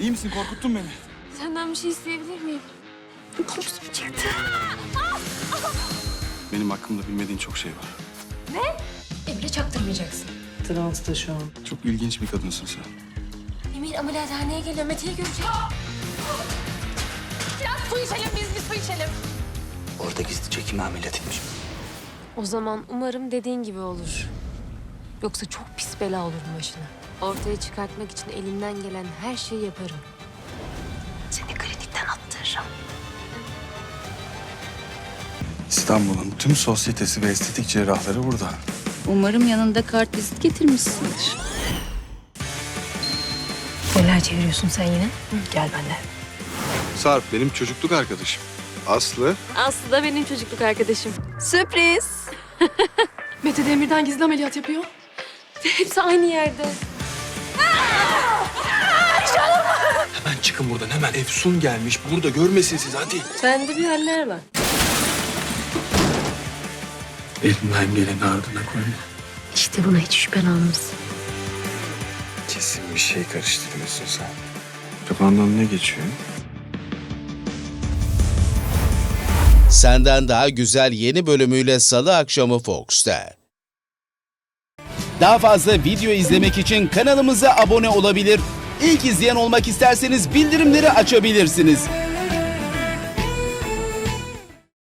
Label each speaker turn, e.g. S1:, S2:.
S1: İyi misin? Korkuttun beni.
S2: Senden bir şey isteyebilir miyim? Korkusum çıktı.
S1: Benim hakkımda bilmediğin çok şey var.
S2: Emre çaktırmayacaksın.
S3: Transta şu an.
S1: Çok ilginç bir kadınsın sen.
S2: Emir ameliyathaneye geliyor. Mete'yi görecek. Biraz su içelim biz bir su içelim.
S4: Orada gizlice kimi ameliyat etmiş?
S2: O zaman umarım dediğin gibi olur. Yoksa çok pis bela olurum başına. Ortaya çıkartmak için elimden gelen her şeyi yaparım. Seni klinikten attırırım.
S1: İstanbul'un tüm sosyetesi ve estetik cerrahları burada.
S5: Umarım yanında kart vizit getirmişsindir.
S2: Neler çeviriyorsun sen yine? Gel benimle.
S1: Sarp benim çocukluk arkadaşım. Aslı.
S2: Aslı da benim çocukluk arkadaşım.
S5: Sürpriz.
S6: Mete Demir'den gizli ameliyat yapıyor.
S2: Ve hepsi aynı yerde.
S4: Hemen çıkın buradan hemen. Efsun gelmiş. Burada görmesin siz hadi.
S2: Sende bir haller var.
S4: Elimden geleni ardına koyma.
S2: İşte buna hiç şüphen olmasın.
S1: Kesin bir şey karıştırıyorsun sen. Kafandan ne geçiyor?
S7: Senden Daha Güzel yeni bölümüyle Salı akşamı Fox'ta. Daha fazla video izlemek için kanalımıza abone olabilir. İlk izleyen olmak isterseniz bildirimleri açabilirsiniz.